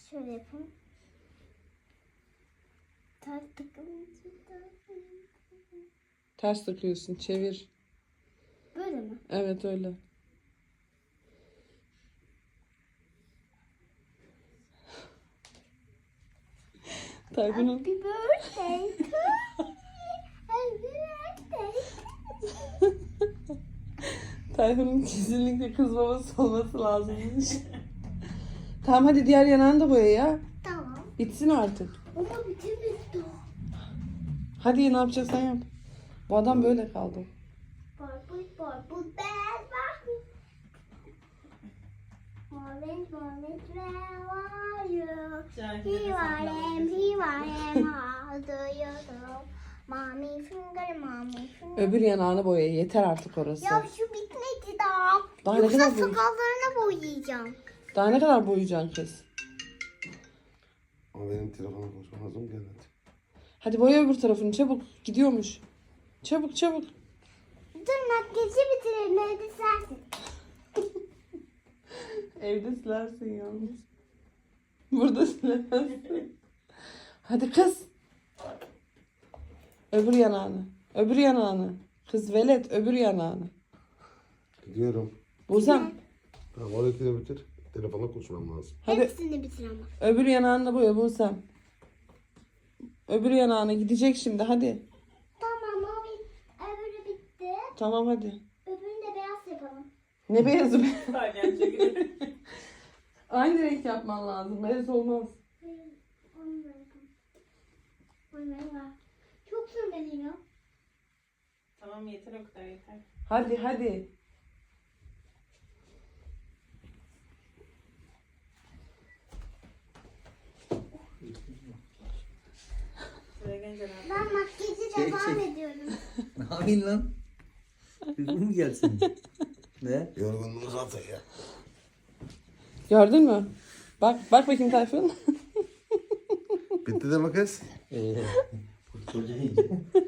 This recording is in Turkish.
Şöyle yapalım. Ters takılınca Ters takıyorsun. Çevir. böyle mi? Evet öyle. Tayfun'un Happy birthday to me. Happy birthday. Tayfun'un kesinlikle kız babası olması lazımmış. Tamam hadi diğer yanağını da boya ya. Tamam. Bitsin artık. Ama bitirmedi daha. Hadi ne yapacaksan yap. Bu adam böyle kaldı. Barbie, Barbie, bad Barbie. Orange, orange, where are you? Here I am, how do you do? Mommy finger, mommy finger. Öbür yanağını boya. Yeter artık orası. Ya şu bitmedi daha. Daha ne Yoksa kadar boy- sakallarına boyayacağım. Daha ne kadar boyayacaksın kız? Ama benim telefona konuşmam lazım gel hadi. Hadi boya öbür tarafını çabuk. Gidiyormuş. Çabuk çabuk. Dur makyajı bitirelim evde sensin. Evde silersin yalnız. Burada silemezsin. Hadi kız. Öbür yanağını. Öbür yanağını. Kız velet öbür yanağını. Gidiyorum. Buzem. Tamam orayı da bitir. Telefonla konuşmam lazım. Hadi Hepsini bitir ama. öbür yanağını da boya Buzem. Öbür yanağına gidecek şimdi hadi. Tamam o öbürü bitti. Tamam hadi. Öbürünü de beyaz yapalım. Ne beyazı be? Aynı renk yapman lazım. Beyaz olmaz. Onu da yapalım. Onu da. Çok sürmeliyim. Tamam yeter o kadar yeter. Hadi hadi. Buraya gelince ne yapayım? Ben makyajı devam ediyorum. Ne yapayım lan? Uygun mu gelsin? Ne? Yorgunluğum zaten ya. Gördün mü? Bak bakayım Tayfun. Bitti deme kız. Bu çocuğa iyice.